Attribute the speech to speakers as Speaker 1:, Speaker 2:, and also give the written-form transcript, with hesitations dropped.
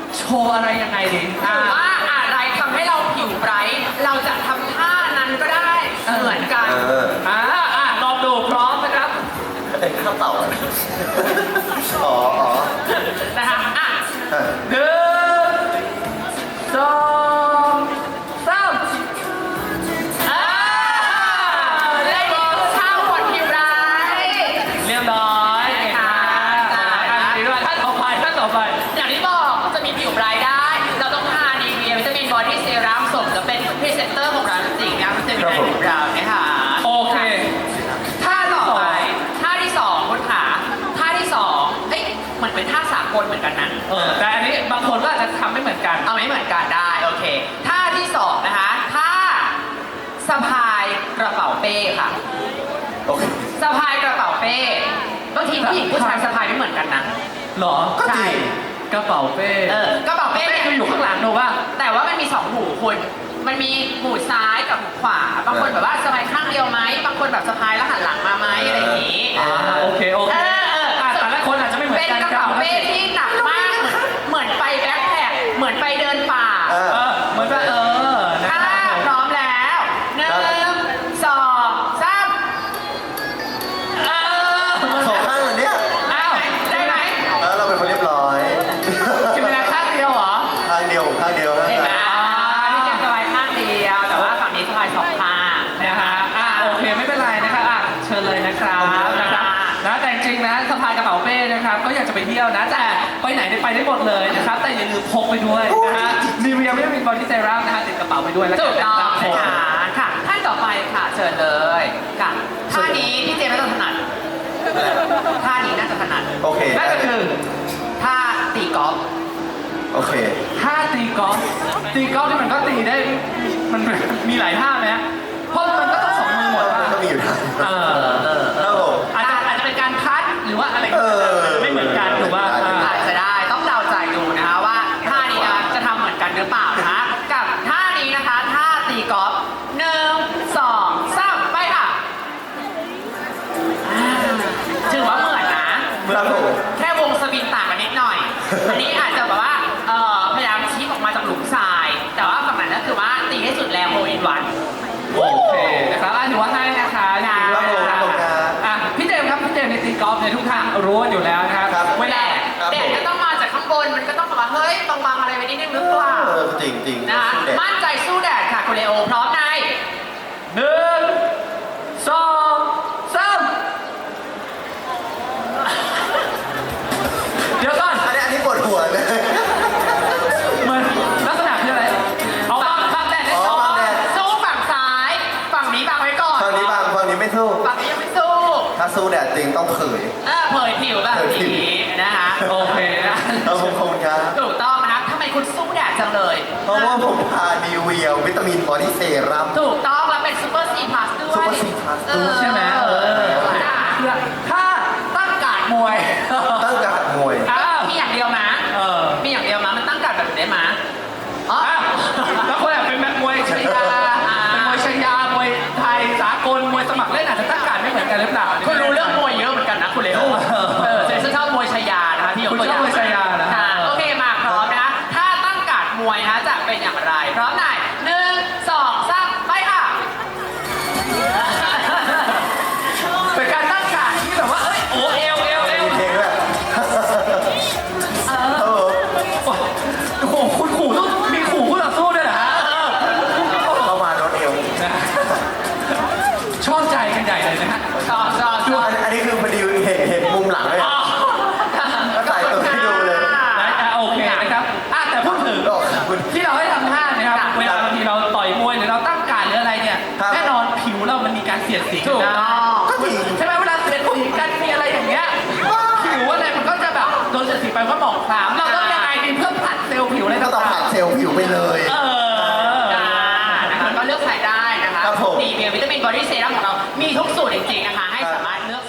Speaker 1: โชว์อะไรยังไงดี
Speaker 2: หรือว่าอะไรทำให้เราผิวไบรท์เราจะทำท่านั้นก็ได้เหมือนกัน
Speaker 1: ลองดูพร้อมนะครับ
Speaker 3: เป็นข้าวเต่าอ๋อ
Speaker 2: นะคะ
Speaker 1: หนึ่งสองสาม
Speaker 2: ได้ดีท่าคนผิวไบรท์
Speaker 1: เรียบร้อยดีด้วยท่านต่อไป
Speaker 2: อย่างที่บอกจะมีผิวไบรท์ได้เราต้องทานีเวียวิตามินบอดี้เซรั่มสมกับเป็นพรีเซนเตอร์ของเราจริงๆนะมันจะมีในผิวเราเนี่ยค่ะ
Speaker 1: โอเค
Speaker 2: ท่าต่อไปท่าที่สองคุณขาท่าที่สองเอ้ยเหมือนเป็นท่าสากลเหมือนกันนะ
Speaker 1: แต่อันนี้บางคนก็อาจจะทำไม่เหมือนกัน
Speaker 2: เอาไม่เหมือนกันได้โอเคท่าที่สองนะคะท่าสะพายกระเป๋าเป้ค่ะ
Speaker 3: โอเค
Speaker 2: สะพายกระเป๋าเป้บางทีผู้หญิงผู้ชายสะพายไม่เหมือนกันนะ
Speaker 1: หรอ
Speaker 3: ก็จริง
Speaker 1: กระเป๋าเป้
Speaker 2: กระเป๋าเป้
Speaker 1: เป้คืออยู่ข้างหลังดูว่า
Speaker 2: แต่ว่ามันมีสองหูคุณมันมีหูซ้ายกับหูขวาบางคนแบบว่าสะพายข้างเดียวไหมบางคนแบบสะพายแล้วหันหลังมาไหมอะไรอย่างนี้
Speaker 1: โอเคแต่ละคนอาจจะไม่เหมือน
Speaker 2: เป็น
Speaker 1: กัน
Speaker 2: กระเป๋าเป้ที่หนักมากเหมือนไปแบ็คแพ็คเหมือนไปเดินป่า
Speaker 1: เหมือนว่านะ
Speaker 2: ถ้า
Speaker 1: ครับ
Speaker 2: พร้อมแล้วหนึ่งสองสาม
Speaker 3: สองข้างเลยเนี่ย
Speaker 1: อ้าว
Speaker 2: ได้ไหม
Speaker 3: แล้วเราเป็นคนเรียบร้อย
Speaker 1: กินเวลาข้างเดียวเหรอ
Speaker 3: ข้างเดียวข้างเดียว
Speaker 2: เห็นไหมนี่จะสบายข้างเดียวแต่ว่าฝั่งนี้สบายสองข้าง
Speaker 1: นะคะโอเคไม่เป็นไรนะครับเชิญเลยนะครับนะแต่จริงๆนะสะพายกระเป๋าเป้นะครับก็อยากจะไปเที่ยวนะแต่ไปไหนไปได้หมดเลยนะครับแต่อย่าลืมพกไปด้วยนะฮะมีเวียวิตามินบอดี้เซรั่มนะฮะติดกระเป๋าไปด้วยแล้ว
Speaker 2: ถูกต้อง
Speaker 1: นะ
Speaker 2: นะคะค่ะท่านต่อไปค่ะเชิญเลยค่ะท่านี้พี่เจมส์น่าจะถนัดท่านี้น่าจะถนัด
Speaker 3: โอเค
Speaker 1: นั่นก็คือ
Speaker 2: ท่าตีกอล์ฟ
Speaker 3: โอเค
Speaker 1: ท่าตีกอล์ฟนี่มันก็ตีได้มันมีหลายท่าไหมเพราะมันก็ต้องสองมือหมด
Speaker 3: ก็มีอยู่ทาง ครับผม
Speaker 1: อาจจะเป็นการคัดหรือว่าอะไรไม่เหมือนกันถูกป่ะ
Speaker 2: อาจจะได้ต้องเดาใจดูนะคะว่าท่านี้นะจะทำเหมือนกันหรือเปล่านะคะกับท่านี้นะคะท่าตีกอล์ฟหนึ่งสองสามไปค่ะถือว่าเหมือนนะครับ
Speaker 3: ผม
Speaker 2: แค่วงสวิงต่างกันนิดหน่อย อันนี้อาจจะแบบว่าพยายามชี้ออกมาจากหลุมทราย แต่ว่าฝั่งนั้นก็คือว่าตีให้สุดแรงโฮอินวัน
Speaker 1: โอเคนะครับถือว่าให้นะคะ
Speaker 3: ครับผมครับผมครับ
Speaker 1: พี่เจมส์ครับพี่เจมส์ในตีกอล์ฟเนี่ยทุกท่านรู้กันอยู่แล้วนะครับ
Speaker 3: ครับ
Speaker 1: เวลา
Speaker 2: แดดก็ต้องมาจากข้างบน มันก็ต้องแบบว่าเฮ้ยบางๆอะไรไว้นิดนึงหรือเปล่า
Speaker 3: จริงจริง
Speaker 2: นะคะมั่นใจสู้แดดค่ะคุณเลโอพร้อมใน
Speaker 1: หนึ่งสองสามเดี๋ยวก่อน
Speaker 3: อันนี้ปวดหัวเลย
Speaker 1: มันลักษณะคืออะไรเอาบังแดดได้
Speaker 3: อ๋อ
Speaker 1: ก่อน
Speaker 3: บังแดด
Speaker 2: สู้ฝั่งซ้าย ฝั่งนี้บังไว้ก่อน
Speaker 3: ฝั่งนี้บางฝั่งนี้ไม่สู้
Speaker 2: ฝั่งนี้ยังไม่สู้
Speaker 3: ถ้าสู้แดดจริงต้องเผย
Speaker 2: เผยผิวแบบนี้นะคะ
Speaker 1: โอเคนะ
Speaker 3: เราคงคงครับ
Speaker 2: ถูกต้องนะคะทำไมคุณสู้แดดจังเลย
Speaker 3: เพราะว่าผมทาดีเวียวิตามินบอดี้เซรั่ม
Speaker 2: ถูกต้องแล้วเป็นซูเปอร์ซีพลัสด้วย
Speaker 3: Super C Plus ด้วย
Speaker 1: ใช่ไหมถ้าตั้งการมวย
Speaker 3: ตั้งการมวย
Speaker 2: มีอย่างเดียวนะมีอย่างเดียวนะมันตั้งกัดแบบนี้ได้ไหมอ๋อ
Speaker 1: แล้วคนแบบเป็นแบบมวยชายาเป็นมวยชายามวยไทยสากลมวยสมัครเล่นอาจจะตั้งการไม่เหมือนกันหรือเปล่า
Speaker 2: คุณรู้เรื่องมวยเยอะเหมือนกันนะคุณเลโอเจนชอบมวยชายานะคะที่ยกตัวอย่าง
Speaker 1: คุณชอบมวยชายานะ
Speaker 2: โอเคมาพร้อมนะถ้าตั้งกัดมวยนะจะเป็นอย่างไรพร้อมไหนหนึ่งสองสามไปค่ะ
Speaker 1: เป็นการตั้งการที่แบบว่าเอ้ยโอ้เอว
Speaker 3: มีเพลงด้วย
Speaker 1: โอ้โหคุณขู่ต้องมีขู่คู่ต่อสู้ด้วยเหรอฮะ
Speaker 3: เข้ามาโดนเอว
Speaker 1: ชอบใจกันใหญ่เลยนะฮะ
Speaker 2: ต่อ
Speaker 3: ดูอันนี้คือพอดีเห็นมุมหลังเลยก็ใส่ตัวให้ดูเลย
Speaker 1: โอเคนะครับแต่พูดถึง
Speaker 3: ดอกคุณ
Speaker 1: ที่เราให้ทำท่านะครับเวลาบางทีเราต่อยมวยหรือเราตั้งการหรืออะไรเนี่ย
Speaker 3: ครับ
Speaker 1: แน่นอนผิวเรามันมีการเสียดสี
Speaker 2: ถูก
Speaker 1: นะ
Speaker 2: ต้อง
Speaker 3: ก็จริง
Speaker 1: ใช่ไหมเวลาเสียดสีกันมีอะไรอย่างเงี้ยผิวอะไรมันก็จะแบบโดนเสียดสีไปก็หมองคล้ำเราต้องยังไงดีเพื่อผลัดเซลล์ผิวอะไร
Speaker 3: ก็ต้อง
Speaker 1: ต่า
Speaker 3: ผั
Speaker 1: ง
Speaker 3: ดเซลล์ผิวไปเลย
Speaker 2: นะคะก็เลือกใช้ได้นะคะ
Speaker 3: ครับผม
Speaker 2: ดีเวียวิตามินบอดี้เซรั่มของเรา มีทุกสูตรจริงๆนะคะ ให้สามารถเลือก